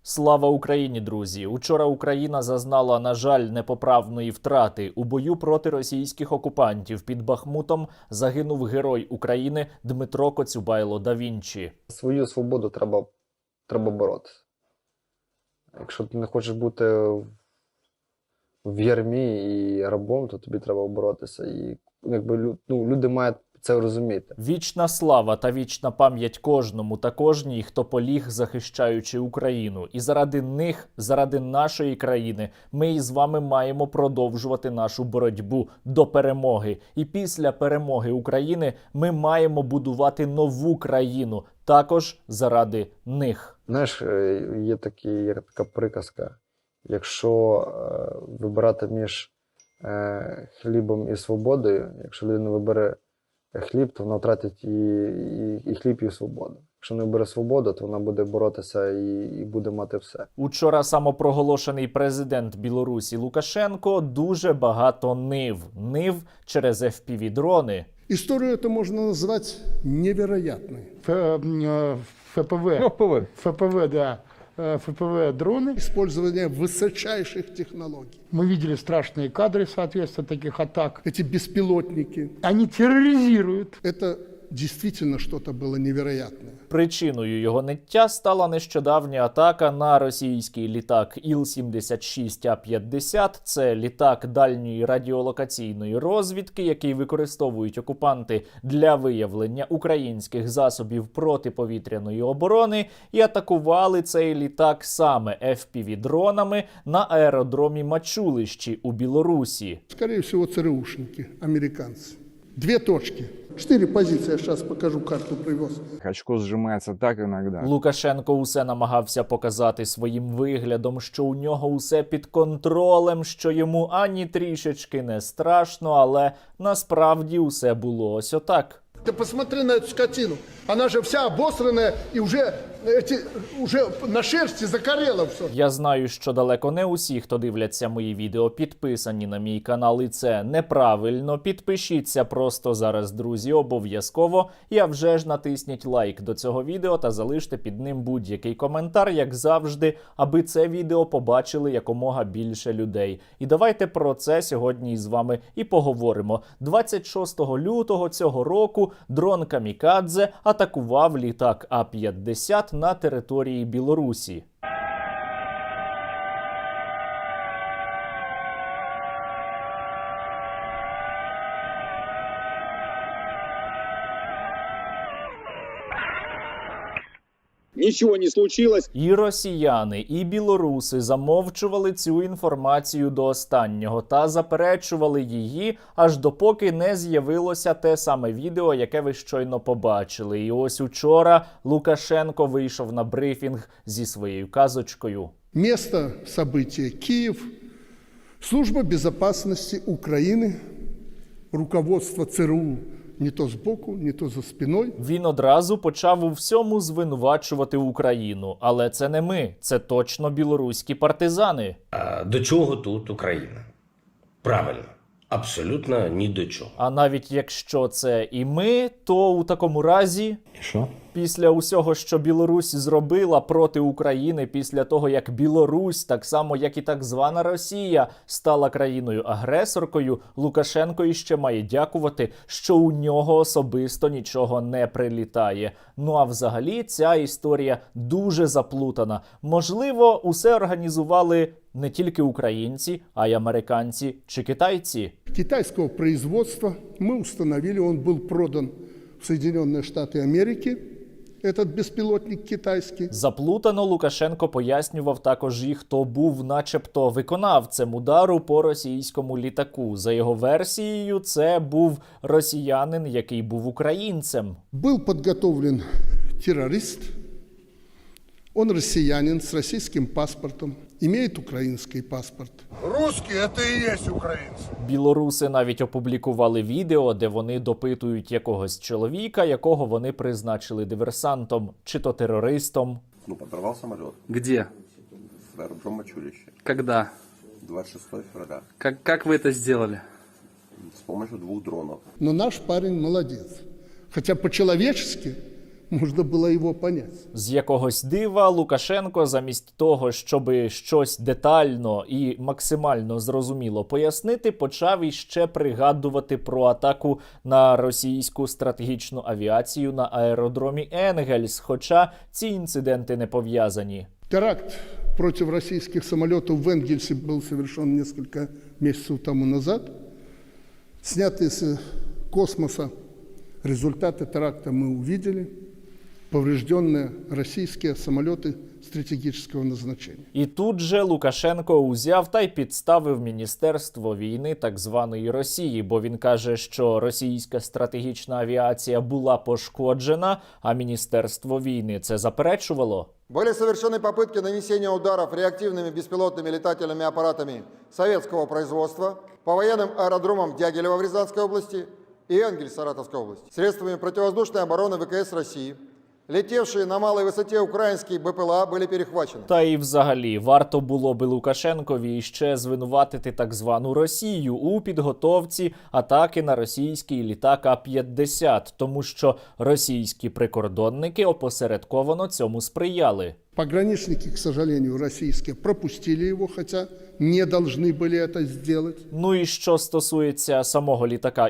Слава Україні, друзі! Учора Україна зазнала, на жаль, непоправної втрати. У бою проти російських окупантів під Бахмутом загинув герой України Дмитро Коцюбайло да Вінчі. Свою свободу треба боротися. Якщо ти не хочеш бути в ярмі і рабом, то тобі треба боротися. І люди мають це розуміти. Вічна слава та вічна пам'ять кожному та кожній, хто поліг, захищаючи Україну. І заради них, заради нашої країни, ми із вами маємо продовжувати нашу боротьбу до перемоги. І після перемоги України ми маємо будувати нову країну, також заради них. Знаєш, є така приказка. Якщо вибирати між хлібом і свободою, якщо людина вибере хліб, то вона втратить і хліб, і свободу. Якщо не бере свободу, то вона буде боротися і буде мати все. Учора самопроголошений президент Білорусі Лукашенко дуже багато нив через FPV-дрони. Историю это можно назвать невероятной. ФПВ, да. ФПВ-дроны. Использование высочайших технологий. Мы видели страшные кадры, соответственно, таких атак. Эти беспилотники. Они терроризируют. Это действительно что-то было невероятное. Причиною його ниття стала нещодавня атака на російський літак Іл-76А-50. Це літак дальньої радіолокаційної розвідки, який використовують окупанти для виявлення українських засобів протиповітряної оборони. І атакували цей літак саме FPV-дронами на аеродромі Мачулищі у Білорусі. Скорее всего, ЦРУшники, американцы. 2 точки. 4 позиции. Я сейчас покажу, карту привез. Очко сжимается так иногда. Лукашенко усе намагався показати своїм виглядом, що у нього усе під контролем, що йому ані трішечки не страшно, але насправді усе було ось отак. Ты посмотри на эту скотину. Она же вся обосранная и уже на шерсти закорела все. Я знаю, що далеко не усі, хто дивляться мої відео, підписані на мій канал, і це неправильно. Підпишіться просто зараз, друзі, обов'язково. І а вже ж натисніть лайк до цього відео та залиште під ним будь-який коментар, як завжди, аби це відео побачили якомога більше людей. І давайте про це сьогодні із вами і поговоримо. 26 лютого цього року дрон «Камікадзе» атакував літак А-50 на території Білорусі. Нічого не случилось. І росіяни, і білоруси замовчували цю інформацію до останнього та заперечували її, аж допоки не з'явилося те саме відео, яке ви щойно побачили. І ось учора Лукашенко вийшов на брифінг зі своєю казочкою. Место события Киев. Служба безопасности Украины. Руководство ЦРУ не то збоку, не то за спиною. Він одразу почав у всьому звинувачувати Україну. Але це не ми, це точно білоруські партизани. А до чого тут Україна? Правильно, абсолютно ні до чого. А навіть якщо це і ми, то у такому разі... Що? Після усього, що Білорусь зробила проти України, після того, як Білорусь, так само, як і так звана Росія, стала країною-агресоркою, Лукашенко іще має дякувати, що у нього особисто нічого не прилітає. Ну а взагалі ця історія дуже заплутана. Можливо, усе організували не тільки українці, а й американці чи китайці. Китайского производства мы установили, он был продан в Соединенные Штаты Америки. Этот безпілотник китайський. Заплутано Лукашенко пояснював також і хто був начебто виконавцем удару по російському літаку. За його версією, це був росіянин, який був українцем. Был подготовлен террорист. Он россиянин с российским паспортом, имеет украинский паспорт. Русские – это и есть украинцы. Білоруси навіть опублікували відео, де вони допитують якогось чоловіка, якого вони призначили диверсантом, чи то терористом. Подорвал самолет. Где? В аэродром Мачулище. Когда? 26 февраля. Как вы это сделали? С помощью 2 дронов. Но наш парень молодец. Хотя по-человечески Можно было его понять. З якогось дива Лукашенко замість того, щоби щось детально і максимально зрозуміло пояснити, почав іще пригадувати про атаку на російську стратегічну авіацію на аеродромі Енгельс, хоча ці інциденти не пов'язані. Теракт против российских самолетов в Энгельсе был совершен несколько месяцев тому назад. Снятые с космоса результаты теракта мы увидели. Поврежденные российские самолеты стратегического назначения. І тут же Лукашенко узяв та й підставив Міністерство війни так званої Росії, бо він каже, що російська стратегічна авіація була пошкоджена, а Міністерство війни це заперечувало. Были совершены попытки нанесения ударов реактивными беспилотными летательными аппаратами советского производства по военным аэродромам Дягилева в Рязанской области и Энгельс Саратовской области средствами противовоздушной обороны ВКС России. Летевшие на малой высоте украинские БПЛА были перехвачены. Та і взагалі, варто було би Лукашенкові ще звинуватити так звану Росію у підготовці атаки на російський літак А-50, тому що російські прикордонники опосередковано цьому сприяли. Пограничники, к сожалению, российские пропустили его, хотя не должны были это сделать. Ну і що стосується самого літака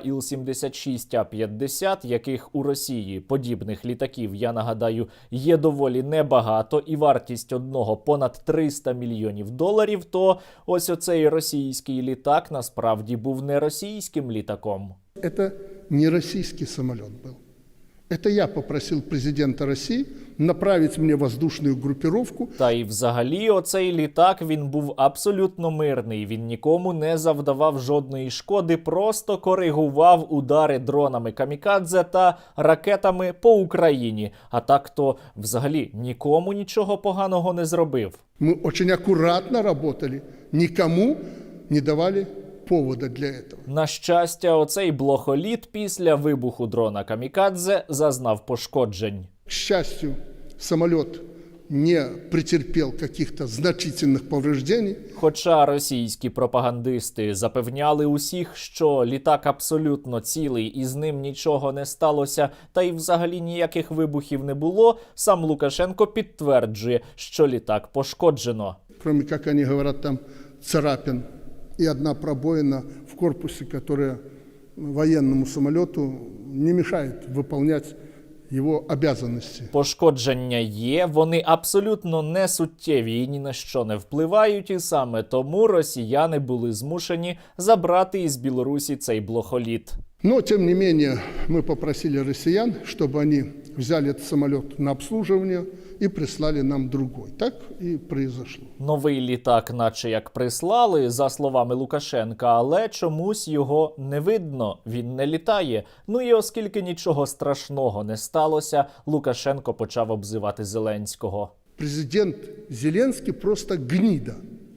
Іл-76А-50, яких у Росії подібних літаків, я нагадаю, є доволі небагато, і вартість одного понад $300 мільйонів, то ось оцей російський літак насправді був не російським літаком. Это не российский самолет был. Это я попросил президента России направить мне воздушную группировку. Та й взагалі оцей літак, він був абсолютно мирний, він нікому не завдавав жодної шкоди, просто коригував удари дронами камікадзе та ракетами по Україні. А так то взагалі нікому нічого поганого не зробив. Мы очень аккуратно работали, никому не давали повода для этого. На щастя, оцей блохоліт після вибуху дрона камікадзе зазнав пошкоджень. К счастью, самолет не претерпел каких-то значительных повреждений. Хоча російські пропагандисти запевняли усіх, що літак абсолютно цілий і з ним нічого не сталося, та й взагалі ніяких вибухів не було, сам Лукашенко підтверджує, що літак пошкоджено. Кроме, как они говорят, там царапин и одна пробоина в корпусе, которая военному самолету не мешает выполнять його обязанності. Пошкодження є, вони абсолютно не суттєві і ні на що не впливають, і саме тому росіяни були змушені забрати із Білорусі цей блохоліт. Но, тем не менее, мы попросили россиян, чтобы они взяли этот самолет на обслуживание и прислали нам другой. Так и произошло. Новий літак наче як прислали, за словами Лукашенка, але чомусь його не видно, він не літає. Ну і оскільки нічого страшного не сталося, Лукашенко почав обзивати Зеленського. Президент Зеленський просто гніда.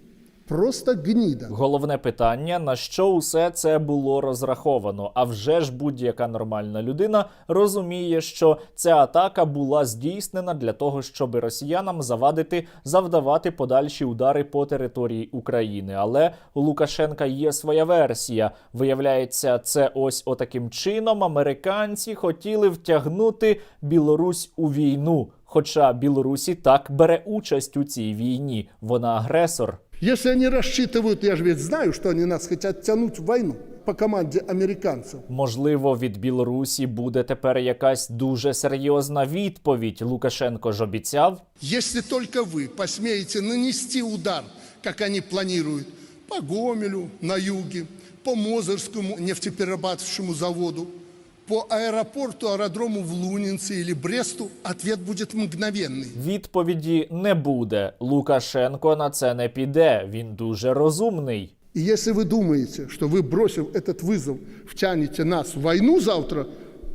Просто гніда. Головне питання, на що усе це було розраховано. А вже ж будь-яка нормальна людина розуміє, що ця атака була здійснена для того, щоб росіянам завдавати подальші удари по території України. Але у Лукашенка є своя версія. Виявляється, це ось отаким чином американці хотіли втягнути Білорусь у війну. Хоча Білорусь і так бере участь у цій війні. Вона агресор. Если они рассчитывают, я же ведь знаю, что они нас хотят тянуть в войну по команде американцев. Можливо, від Білорусі буде тепер якась дуже серйозна відповідь. Лукашенко ж обіцяв. Если только вы посмеете нанести удар, как они планируют, по Гомелю на юге, по Мозырскому нефтеперерабатывающему заводу, по аэропорду-аэродрому в Лунинце или Бресту, ответ будет мгновенный. Відповіді не буде. Лукашенко на це не піде. Він дуже розумний. И если вы думаете, что вы, бросив этот вызов, втянете нас в войну завтра,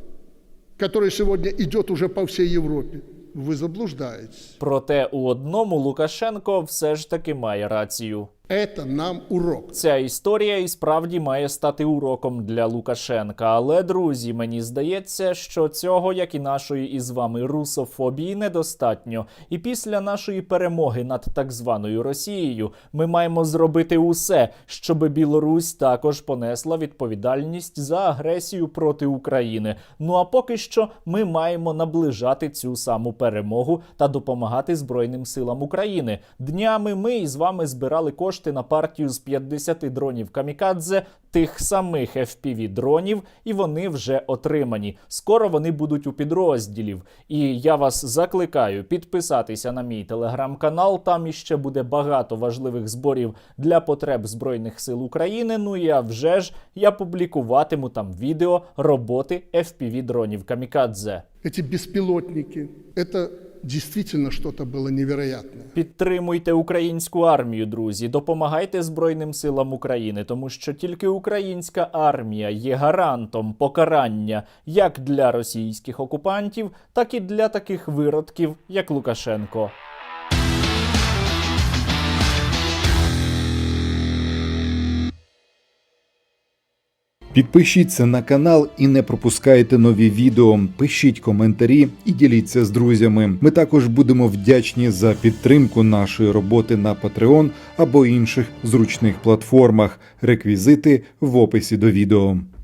которая сегодня идет уже по всей Европе, ви заблуждаєтесь. Проте у одному Лукашенко все ж таки має рацію. Это нам урок. Ця історія і справді має стати уроком для Лукашенка. Але, друзі, мені здається, що цього, як і нашої із вами русофобії, недостатньо. І після нашої перемоги над так званою Росією ми маємо зробити усе, щоб Білорусь також понесла відповідальність за агресію проти України. Ну а поки що ми маємо наближати цю саму перемогу та допомагати Збройним силам України. Днями ми із вами збирали кошти на партію з 50 дронів камікадзе, тих самих FPV-дронів, і вони вже отримані. Скоро вони будуть у підрозділів. І я вас закликаю підписатися на мій телеграм-канал, там іще буде багато важливих зборів для потреб Збройних сил України. Ну і я публікуватиму там відео роботи FPV-дронів камікадзе. Эти беспилотники, это действительно что-то было невероятное. Підтримуйте українську армію, друзі, допомагайте Збройним силам України, тому що тільки українська армія є гарантом покарання як для російських окупантів, так і для таких виродків, як Лукашенко. Підпишіться на канал і не пропускайте нові відео, пишіть коментарі і діліться з друзями. Ми також будемо вдячні за підтримку нашої роботи на Patreon або інших зручних платформах. Реквізити в описі до відео.